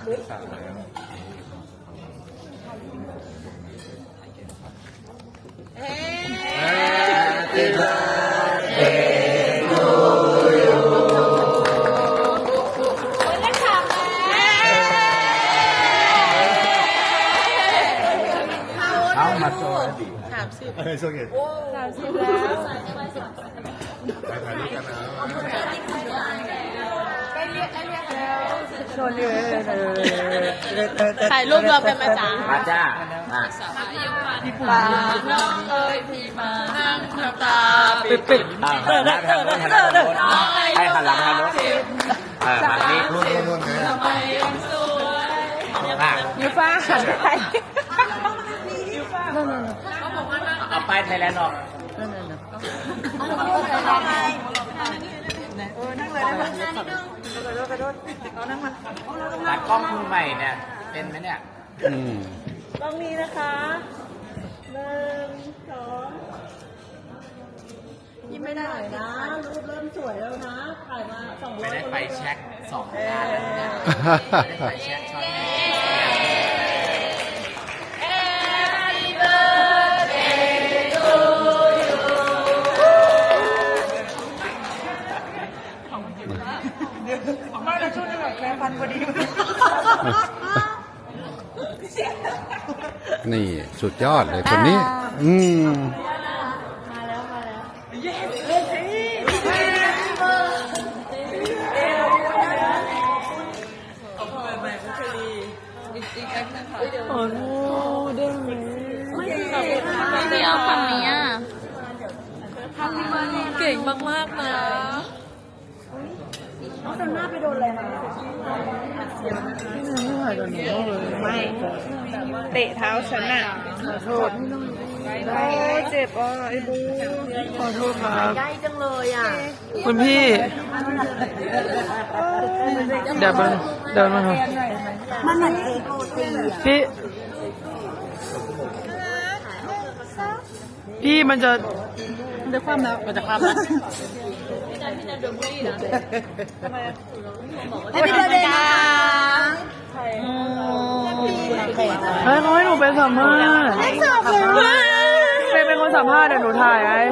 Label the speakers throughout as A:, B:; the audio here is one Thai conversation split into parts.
A: 30
B: ถ่ายรูปเราเป็นมาจ้า
C: มาจ้า
B: ป่าน้องเอ๋ยพี่มานั่งน้ำตาปิด
C: หันหลังทางโน้นหันหลังทางโน้นให้หันหลังทางโน้นหันนี้
B: ทำไมยังสวย
A: ยูฟ้าหันไป
C: เอาไปไทยแลนด์ออกตัดกล้องมือใหม่เนี่ยเป็นไหมเนี่ย
A: กล้องนี้นะคะ1 2ยิ้มไม่ได้นะรูปเริ่มสวยแล้วนะถ่ายมา200
C: ไม่ได้ไฟแช็ก2 งานแล้วเนี่ยไม่ได้ไฟแช็กช็อต
A: มาแล้วช่วงนี้แบบแค่พันพอดี
D: นี่สุดยอดเลยคนนี้
A: มาแล้วโอ้โหเด้งเลย
B: ไม่ได้เอาคำนี้เก่งมากๆนะ
A: น้องโดนหน้าไปโดนอะไรมาไม่เตะเท้าฉันน่ะขอโทษโอ้เจ็บอ่ะไอ้บูขอโทษครับใกล้จังเลยอ่ะคุณพี่เดี๋ยวมันเดินมาครับมันเหมือนเอโกตีพี่มันจะความแล้วมันจะความแล้วไม่ได้เลยนะเขาให้หนูเป็นสัมภาษณ์เป็นคนสัมภาษณ์เดี๋ยวหนูถ่ายไอ้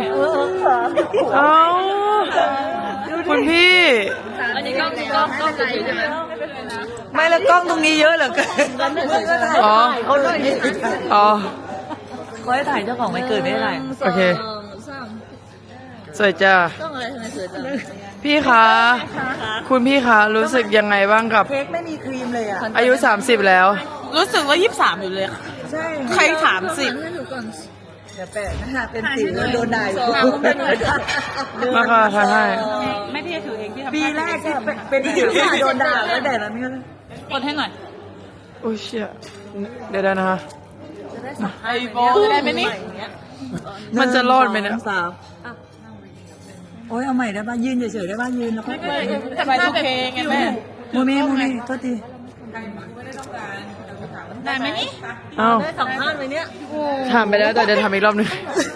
A: คุณพี่
B: อันนี้กล้องจะถือใช่ไหม
A: ไม่แล้วกล้องตรงนี้เยอะเหลือเกินอ๋อเขาเลยอ๋อเขาให้ถ่ายเจ้าของไม่เกิดไม่ได้โอเคสวยจ้า
B: ต้องอะไรทำไมสวยจัง
A: พี่คะคุณพี่คะรู้สึกยังไงบ้างกับเค้กไม่มีครีมเลยอ่ะอายุ30แล้ว
B: รู้สึกว่า23อยู่เลยใช่ใคร30
A: เดี๋ยวแปะนะคะเป็นสิวโดนด่า
D: มาค่ะถ่ายให้
B: ไม่พี่ถือเองพี่ทำ
A: ปีแรกที่เป็นสิวโดนด่าแล้วแต่ละนี่
B: กดให้หน่อย
A: โอ้ยเชี่ยเดี๋ยวนะฮะ
B: ไอ้บอลได้ไหมนี่
A: มันจะรอดไหมเนี่ยโอ้ยเอาใหม่ได้ป่ะยืนเฉยๆได้ป่ะยืนแล้วก็
B: ทำไมโอเคไงแม่
A: โมเมโทษที
B: ได้ไหมนี่
A: ได้สัมภาษณ์ไหมเนี่ย
D: ถามไปแล้วแต่จะทำอีกรอบนึง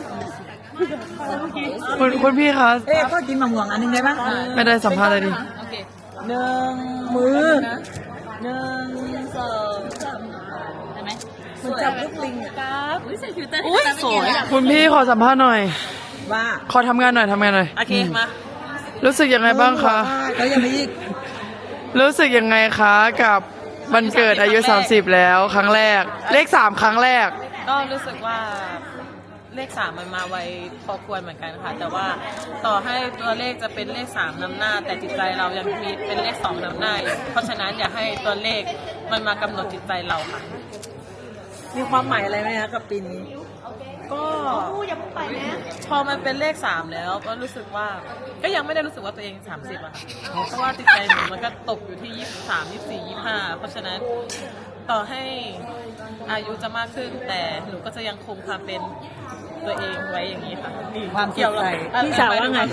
A: คุณพี่คะก็กินมะม่วงอันนึงได้ป่ะ
D: ไม่ได้สัมภาษณ์เลยดิ
A: 1 มือ1 2 3ได้ไหมมันจับลูกลิงอ่ะ
B: ครับใส่ฟิลเตอร์สวย
D: คุณพี่ขอสัมภาษณ์หน่อย
A: ว่า
D: ขอทำงานหน่อย
B: โอเคมา
D: รู้สึกยังไงบ้างคะ
A: เขายังไม่ยิก
D: รู้สึกยังไงคะกับวันเกิดอายุ30แล้วครั้งแรกเลข3ครั้งแรก
B: ก็รู้สึกว่าเลข3มันมาไวพอควรเหมือนกันค่ะแต่ว่าต่อให้ตัวเลขจะเป็นเลข3นำหน้าแต่จิตใจเรายังมีเป็นเลข2นำหน้าเพราะฉะนั้นอย่าให้ตัวเลขมันมากำหนดจิตใจเราค่ะ
A: มีความหมายอะไรไหมคะกับปีนี้
B: ก็พอมันเป็นเลข3แล้วก็รู้สึกว่าก็ยังไม่ได้รู้สึกว่าตัวเอง30อะเพราะว่าจิตใจหนูมันก็ตกอยู่ที่23 24 25เพราะฉะนั้นต่อให้อายุจะมากขึ้นแต่หนูก็จะยังคงความเป็นตัวเองไว้อย่างนี้ค่ะ
A: ความเกี่ยวกับพี่สาวว่าไง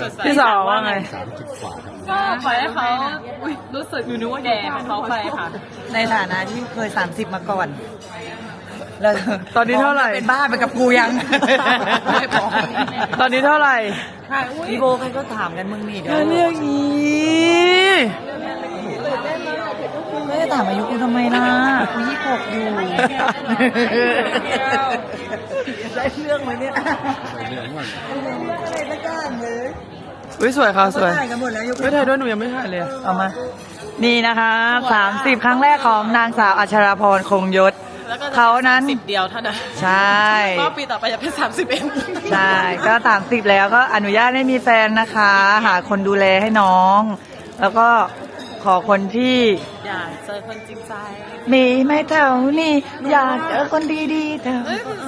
B: ก็ปล่อยให้เขารู้สึกอยู่นึกว่าแก่เขาไปค่ะ
A: ในฐานะที่เคย30มาก่อนแล้ว
D: ตอนนี้เท่าไหร่
A: เป็นบ้าไปกับกูยัง
D: ตอนนี้เท่าไหร่
A: พี่โบใครก็ถามกันมึงนี่เดี๋ยว
D: เรื่องนี้
A: ไม่ได้ถามอายุกูทำไมล่ะกู26อยู่ได้เรื่องไหมเนี่ยอะไรสักอย่างเลย
D: วิสวยค่ะสวย
A: ถ่ายกันหมดแล้วยก
D: ไม่ถ่ายด้วยหนูยังไม่ถ่ายเลย
A: เอามา นี่นะคะ30 ครั้งแรกของนางสาวอัชราพรคงยศ
B: แล้วก็จะ
A: เขานั้น
B: 10 เดียวเท่านั้น
A: ใช่
B: ก็ปีต่อไปจะเป็น30เอง
A: ใช่ก็30แล้วก็อนุญาตให้มีแฟนนะคะ หาคนดูแลให้น้อง แล้วก็ขอคนที่
B: อยากเจอคนจริงใจ
A: มีไม่เท่านี่อยากเจอคนดีๆเท่า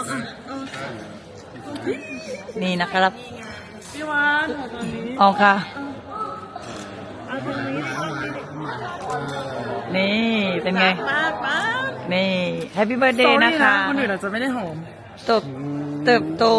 A: นี่นะครับ
B: พี่วานขอตอนนี้
A: ออกค่ะ นี่เป็นไง
B: มากมาก
A: นี่แฮปปี้เบิร์ดเดย์นะคะ
D: คนอื่นอาจจะไม่ได้หอม
A: เติบโต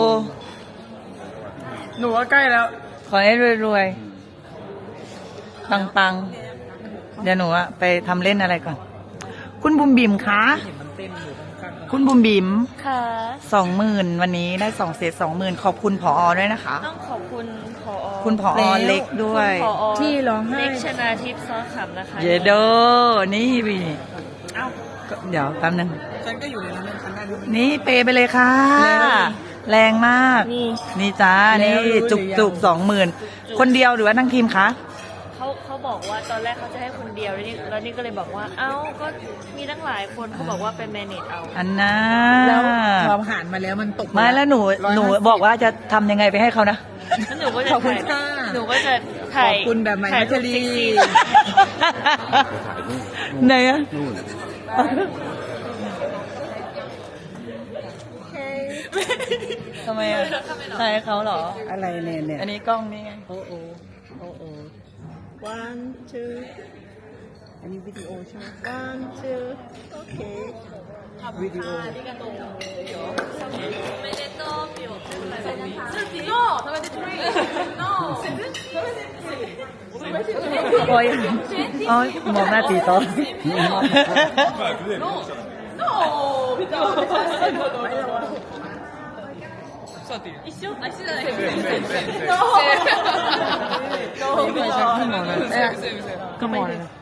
D: หนูว่าใกล้แล้ว
A: ขอให้รวยๆ ปังๆ เดี๋ยวหนูอะไปทำเล่นอะไรก่อน คุณบุมบิมคะ คุณบุมบิม
E: ค่ะ
A: 20,000 วันนี้ได้2 เซต 20,000 ขอบคุณผอด้วยนะคะ
E: ต้องขอบคุณผอ
A: คุณผอเล็กด้วย
E: คุณผอ
A: ที่ร้องไห้
E: เล็กชนาทิพย์ซ้อขำนะคะ
A: เยโดนี่บีก็เดี๋ยวแป๊บนึง
B: ฉันก็อยู่ในนั้นฉันได้ด้วย
A: นี่เปไปเลยค่ะ แรงมาก นี่จ้า นี่จุก20,000 คนเดียวหรือว่าทั้งทีมคะ
E: เขาบอกว่าตอนแรกเขาจะให้คนเดียวแล้วนี่ก็เลยบอกว่า เอ้าก็มีตั้งหลายคนเขาบอกว่าเป็นแมเนจเอา
A: อันน่า
B: แล้วพอผ่านมาแล้วมันตก
A: ไม่แล้วหนูบอกว่าจะทำยังไงไปให้เขานะ
E: แล้วหนูก็จะ
B: ขอบคุณ
E: ถ่าย
B: ค่ะ
E: หนูก็จะถ่าย
B: ขอบคุณแบบใหม่
E: ถ่าย
B: พัชรี
E: เซ็กซี่
A: ไหนอะทำไมอะใช่เขาเหรอ
B: อะไรเนี่ย
A: อันนี้กล้องนี่ไง
B: โอ้one two อันนี้วิดีโอใช่ไหม one two โอเควิดีโอ
A: โอ้ยเอามองหน้าตีโต๊ะ
D: ก็มองเลยนะ